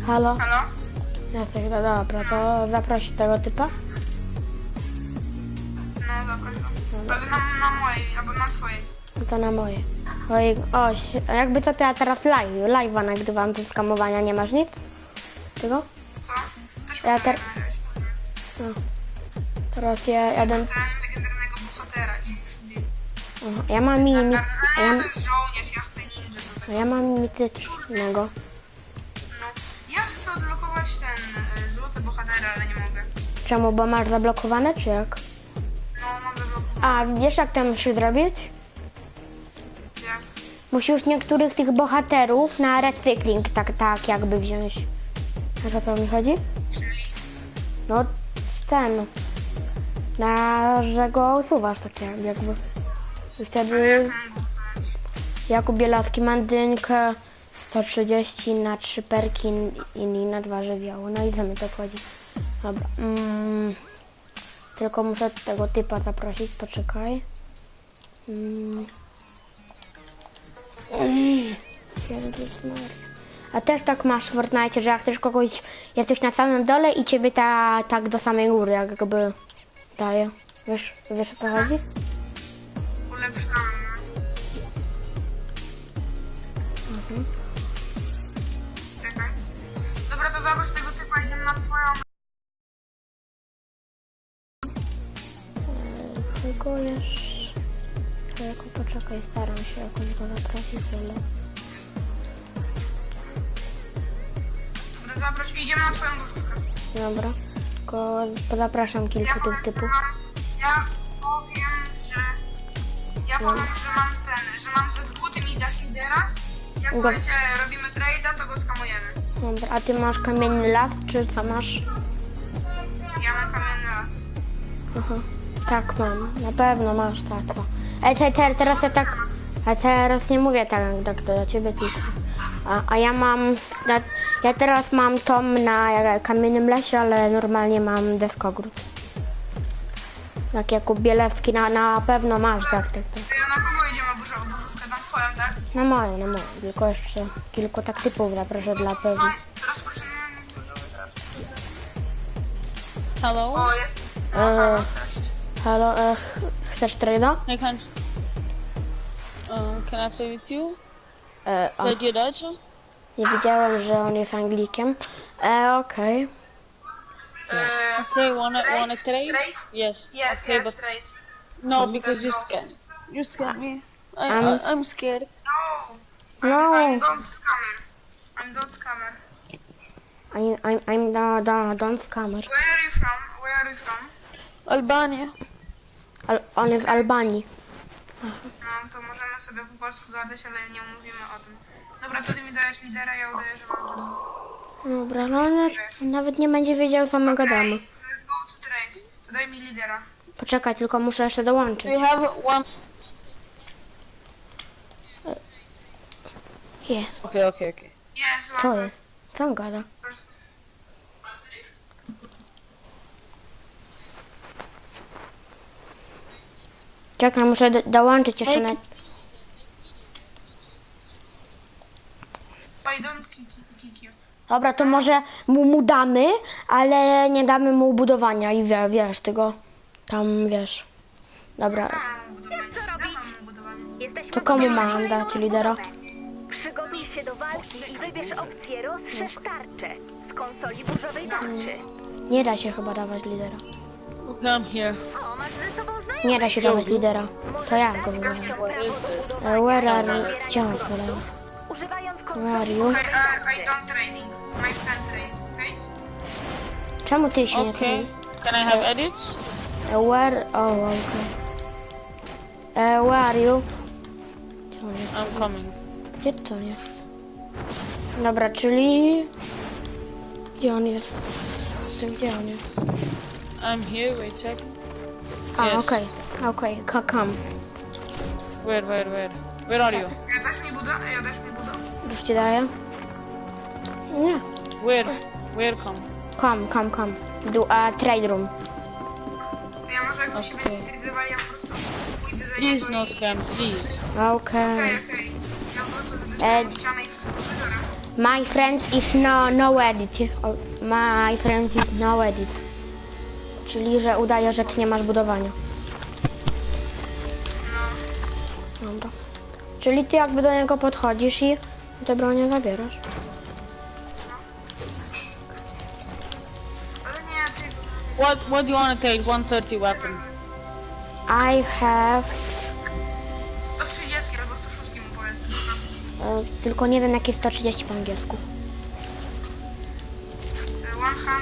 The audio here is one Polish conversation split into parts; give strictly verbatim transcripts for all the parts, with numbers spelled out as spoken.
Halo? Halo? Jesteś, no dobra, to zaprosić tego typa? No zapraszam. Ale na, na mojej, albo na twojej. To na moje. Oj, o, a jakby to, to ja teraz live, live'a nagrywam do skamowania, nie masz nic? Tego? Co? Też Ja ja ter... no. Teraz ja jadę... Chcę legendarnego bohatera X D. Aha, ja mam mini... mi- a ja, Ja to jest żołnierz, ja chcę ninja do a tego. ja mam mitycznego. No. Ja chcę odblokować ten y, złoty bohatera, ale nie mogę. Czemu, bo masz zablokowane, czy jak? No, mam zablokować. A, wiesz jak to musisz zrobić? Jak? Musisz niektórych tych bohaterów na recykling, tak, tak jakby wziąć. Wiesz, o co mi chodzi? Czyli? No, ten. Na, że go usuwasz, tak jakby. I wtedy Jakub Bielawski mandynkę sto trzydzieści na trzy perki i na dwa żywioły. No i za mnie to chodzi. Dobra. Mm. Tylko muszę tego typa zaprosić, poczekaj. Mm. Mm. Jezus Maria. A też tak masz w Fortnite, że jak chcesz kogoś, jesteś na samym dole i ciebie ta, tak do samej góry jakby daje. Wiesz, wiesz o co chodzi? Ulepszamy. Mhm. Czekaj. Dobra, to zobacz tego typa, idziemy na twoją... Eee, Tylko jeszcze... Tylko poczekaj, staram się jakoś go zaprosić, ale... Dobra, zaproś, idziemy na twoją burzówkę. Dobra. Tylko zapraszam kilku Ja tych powiem, że typów. mam, ja powiem, że... Ja No. powiem, że mam ten, że mam ze dwóch, ty mi dasz lidera. Jak Dobra. powiecie, robimy trade'a, to go skamujemy. Dobra, a ty masz kamienny las, czy co masz? Ja mam kamienny las. Aha. Tak mam, na pewno masz tak. No. Ej, te, te, teraz ja tak... A teraz nie mówię tak, tak do ciebie tylko. A, a ja mam... Ja, ja teraz mam tom na kamiennym lesie, ale normalnie mam deskogród. Tak Jakub Bielewski na, na pewno masz, tak, tak, tak. To ja na kogo idziemy burzą- burzówkę? Na twoją, tak? Na moje, na moje. Tylko jeszcze kilku tak typów zaproszę dla pewnych. No, rozpoczynamy burzówkę teraz. Hello? O, jest. E, halo, e, ch- chcesz trade'a? I can. Uh, can I play with you? E, o, Like you Dutch? nie wiedziałem, że on jest Anglikiem. E, okej. Eee, Okay, wanna Trade? wanna trade? Trade? Yes. Yes, okay, yes, but trade. no, because you go. scared. You scared me. I, Um, I I'm scared. No. No. I'm, I'm don't scammer. I'm don't scammer. I'm, I'm, I'm the, the, don't scammer. Where are you from? Where are you from? Albania. Al, on jest z Albanii. No, to możemy sobie po polsku gadać, ale nie mówimy o tym. Dobra, to ty mi dajesz lidera, ja udaję, że mam ze dwóch. Dobra, no ale nawet nie będzie wiedział, co my gadamy. Let's go to trade. To daj mi lidera. Poczekaj, tylko muszę jeszcze dołączyć. We have one. Jest. Okay, okay, okay. Jest, Co łapę. jest? Co on gada? Czekaj, muszę do, dołączyć jeszcze na... I don't kick, kick you. Dobra, to może mu, mu damy, ale nie damy mu budowania i wie, wiesz, tego tam, wiesz. Dobra, Mam budowanie. Wiesz, co robić? Mam budowanie. Jesteśmy to komu gotowi mam na dać lidera? budowę. Przygotuj się do walki i wybierz opcję rozszerz tarczę z konsoli burzowej tarczy. Nie da się chyba dawać lidera. Okay, I'm here. O, masz ze sobą znajomych. Nie da się dawać lidera. To ja go Dać wybrałem. gościom prawo do E, budowania Where i are... zbierania Gdzie on surowców. poleciał? Używając Where are konsoli you? Okay, burzowej I, I tarczy. don't trading. My friend trade, okay? Czemu ty się nie... Okay. Can I have edits? E, Where... Oh, okay. E, Where are you? Gdzie on jest? I'm coming. Gdzie to jest? Dobra, czyli... Gdzie on jest? Gdzie on jest? I'm here. Wait, check. A, Yes. okej, okej, okay. Come. Where, where, where? Where are you? Ja dasz mi budo? Ja dasz mi budo? Już ci daję? Nie. Where? Where come? Come, come, come. Do a trade room. Ja może jak wy się Okay. będziecie tradowali, ja po prostu pójdę do Please niego no i... scam, please. Okej. Okej, okej. Ja po prostu E, zadę ścianę i wszystko zabiorę. My friend is no, no edit. O, my friend is no edit. Czyli, że udaje, że ty nie masz budowania. Dobra. Czyli ty jakby do niego podchodzisz i te bronie zabierasz. Ale nie, ty... What What do you wanna take? one thirty weapon. I have... sto trzydzieści albo sto sześć mu powiedz. E, tylko nie wiem jakie sto trzydzieści po angielsku. sto,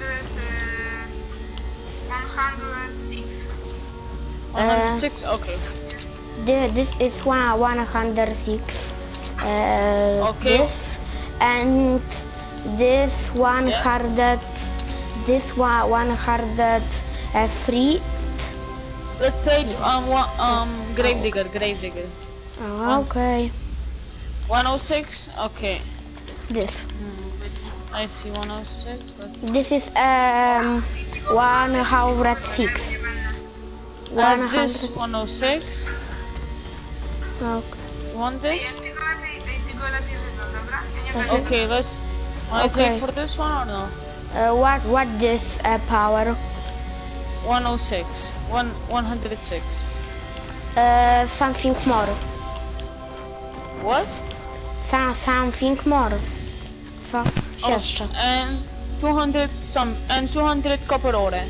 sto sześć. one hundred six? Okay. Thi- This is one, one hundred six. Uh, Okay. This and this one hundred. This one one hundred uh, three. Let's take um one, um Gravedigger, Gravedigger. Oh, okay. one oh six? Okay. This. I see one oh six, but... This is um one hundred six. One Uh, this hundred. one oh six. Okay. You want Ej, this? ty go lepiej, ej, ty go lepiej wybrał, dobra? Ja nie będę... Okay, let's... Wanna Okay. take for this one or no? Uh, what what this uh, power? one oh six. One, one hundred six. Uh, something more. What? Some, something more. Co Oh, jeszcze? and two hundred some... And two hundred copper ore.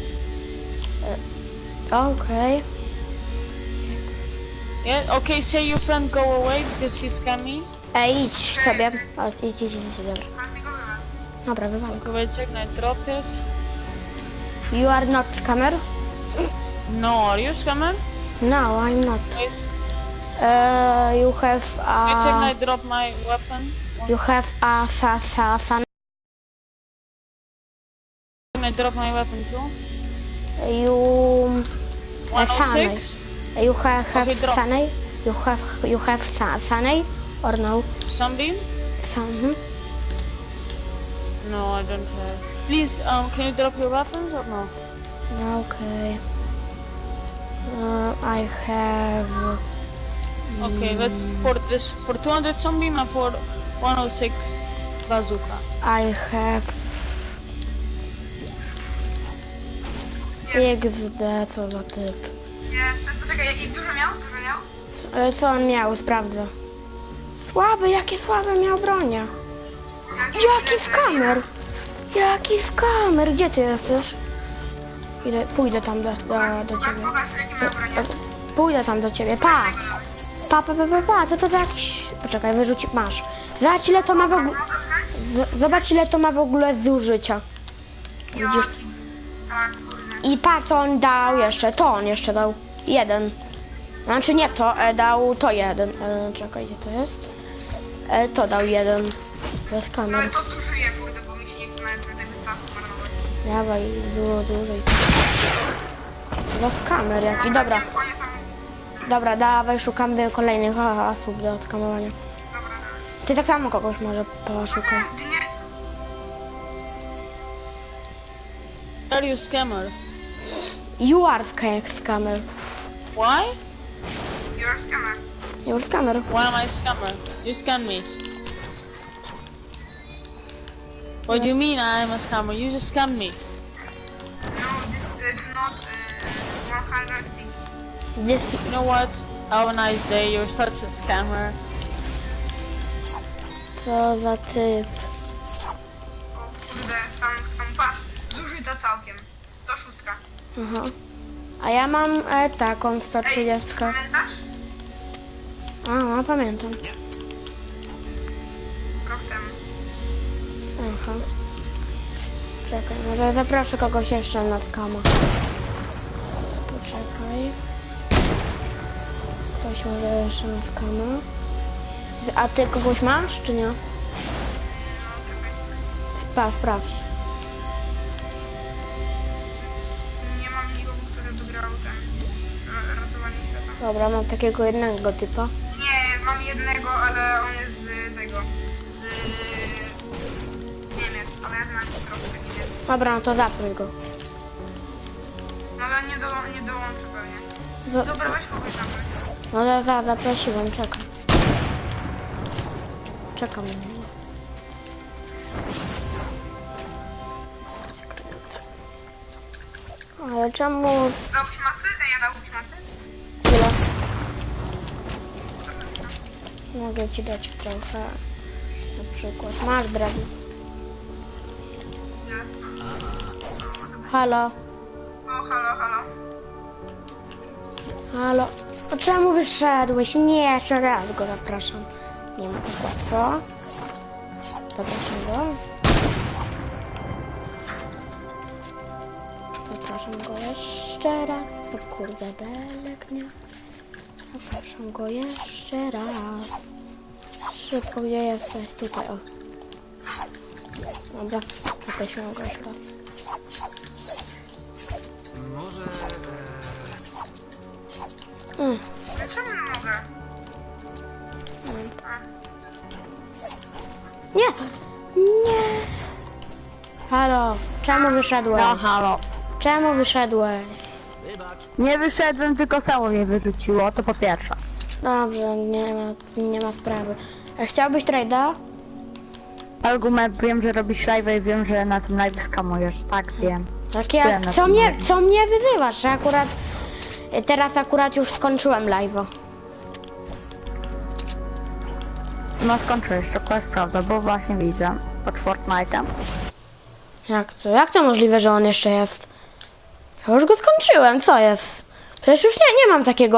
Okay. Yeah, okay, say your friend go away because he's scammy. Ej, idź sobie. O, idź, idź, idź, idź, dobra. Bardziej go wybrał. Dobra, wywalę. Okay, wait a second, I drop it. You are not scammer? No, are you scammer? No, I'm not. Wait, Uh, you have wait a second, I a... drop my weapon. You have a sa sa sa. I drop my weapon too. You... one oh Sunny. six? You have, have Okay, drop. Sunny? You have, you have sa Sunny? Or no? Sunbeam? Sun? No, I don't have. Please, um, can you drop your weapons or no? Okay. Uh, I have... Okay, let's for this for two hundred sunbeam and for one oh six bazooka. I have... X D, co za typ. Jest, poczekaj, i dużo miał? Dużo miał? E, Co on miał? Sprawdzę. Słaby, jakie słabe miał bronie. Jaki skamer! Jaki skamer! Gdzie ty jesteś? Idę, pójdę tam do, do, do ciebie. Pokaż, jakie miał bronię. Pójdę tam do ciebie, pa! Pa, pa, pa, pa, pa, co to za jakiś... Poczekaj, wyrzuci... Masz. Zobacz ile to ma w ogóle... z- Zobacz ile to ma w ogóle zużycia. Widzisz? Tak, kurde. I pa, co on dał jeszcze. To on jeszcze dał. Jeden. Znaczy nie to, e, dał to jeden. E, czekaj, gdzie to jest? E, to dał jeden. Bez No kamer. i to zużyję, kurde, bo mi się nie chce nawet na tego czasu marnować. Dawaj, dużo dłużej. Bez kamer jaki. Dobra, Wiem, koniec amunicji. dobra, dawaj, szukamy kolejnych a, osób do odkamowania. Dobra, dobra. Ty tak samo kogoś może poszukaj. Ty nie... Are you scammer? You are sca- scammer. Why? You're a scammer. You're scammer. Why am I scammer? You scam me. What do you mean I am a scammer? You just scam me. No, this is not uh, one hundred six. This... You know what? Have a nice day. You're such a scammer. Co za typ. O kurde, sam, sam pas. Zużyta całkiem. sto sześć. Aha. A ja mam e, taką sto Ej, trzydzieści. pamiętasz? A, no, pamiętam. Rok temu. Aha. Czekaj, może zaproszę kogoś jeszcze na skama. Poczekaj. Ktoś może jeszcze na skama. A ty kogoś masz, czy nie? No, czekaj. Spa, sprawdź. Nie mam nikogo, który by grał ten ra- ratowanie świata. Dobra, mam takiego jednego typa. Nie, mam jednego, ale on jest z tego, z, z Niemiec, ale ja znam troszkę nie wiem. Dobra, no to zapnij go. No ale nie, do, nie dołączy pewnie. Za, Dobra, weź kogoś zabrać. no za, za, zaprosiłem, czekam. Czekam na niego. Ale czemu... Dałbyś macy? Ej, ja dałbyś macy? Tyle? Mogę ci dać trochę. Na przykład. Masz drewno. Nie. Halo? O, halo, halo. Halo? A czemu wyszedłeś? Nie, jeszcze raz go zapraszam. Nie ma tak łatwo. Zapraszam go. Zapraszam go jeszcze raz. To kurde belek, nie? Zapraszam go jeszcze raz. Szybko, gdzie jesteś? Tutaj, o. Dobra, zaprosiłem go jeszcze raz. Może... Mm. Dlaczego nie mogę? Mm. A. Nie! Nie! Halo, czemu wyszedłeś? No halo. Czemu wyszedłeś? Wybacz. Nie wyszedłem, tylko samo mnie wyrzuciło, to po pierwsze. Dobrze, nie ma, nie ma sprawy. A chciałbyś trade'a? Argument, wiem, że robisz live i wiem, że na tym live skamujesz. Tak, wiem. Tak Tyle jak, na co tym mnie, live. co mnie wyzywasz? Że akurat, teraz akurat już skończyłem live'a. No skończyłeś, to jest prawda, bo właśnie widzę pod Fortnite'em. Jak to? Jak to możliwe, że on jeszcze jest? Ja już go skończyłem, co jest? Przecież już nie, nie mam takiego